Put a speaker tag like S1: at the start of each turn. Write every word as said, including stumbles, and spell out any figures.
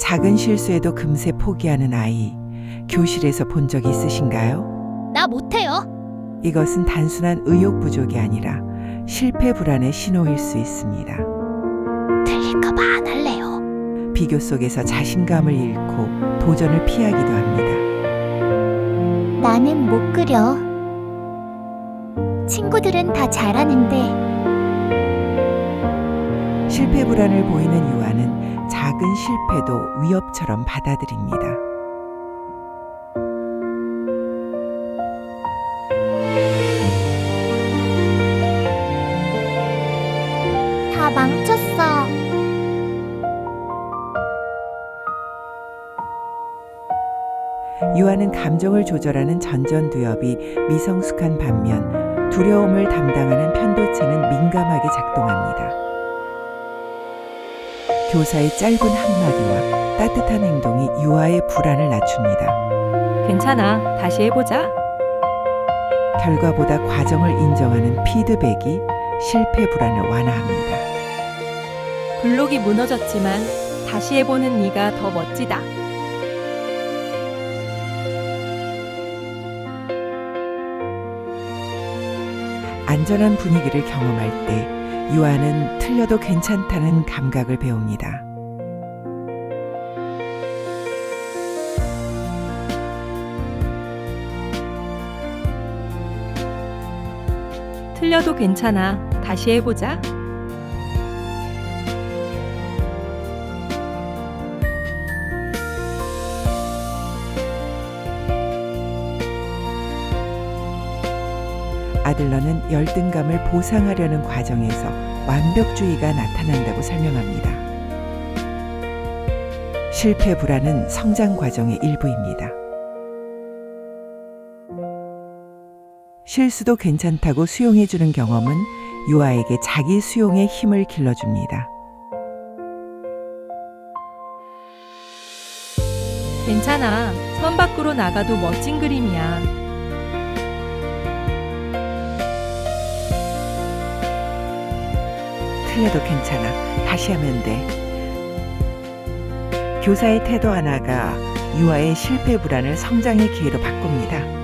S1: 작은 실수에도 금세 포기하는 아이, 교실에서 본 적 있으신가요?
S2: 나 못해요.
S1: 이것은 단순한 의욕 부족이 아니라 실패 불안의 신호일 수 있습니다.
S2: 틀릴까봐 안 할래요.
S1: 비교 속에서 자신감을 잃고 도전을 피하기도 합니다.
S2: 나는 못 그려. 친구들은 다 잘하는데.
S1: 실패 불안을 보이는 유아는 작은 실패도 위협처럼 받아들입니다.
S2: 다 망쳤어.
S1: 유아는 감정을 조절하는 전전두엽이 미성숙한 반면 두려움을 담당하는 편도체는 민감하게 작동합니다. 교사의 짧은 한마디와 따뜻한 행동이 유아의 불안을 낮춥니다.
S3: 괜찮아. 다시 해보자.
S1: 결과보다 과정을 인정하는 피드백이 실패 불안을 완화합니다.
S3: 블록이 무너졌지만 다시 해보는 네가 더 멋지다.
S1: 안전한 분위기를 경험할 때 유아는 틀려도 괜찮다는 감각을 배웁니다.
S3: 틀려도 괜찮아. 다시 해보자.
S1: 아들러는 열등감을 보상하려는 과정에서 완벽주의가 나타난다고 설명합니다. 실패 불안은 성장 과정의 일부입니다. 실수도 괜찮다고 수용해주는 경험은 유아에게 자기 수용의 힘을 길러줍니다.
S3: 괜찮아. 선 밖으로 나가도 멋진 그림이야.
S1: 틀려도 괜찮아. 다시 하면 돼. 교사의 태도 하나가 유아의 실패 불안을 성장의 기회로 바꿉니다.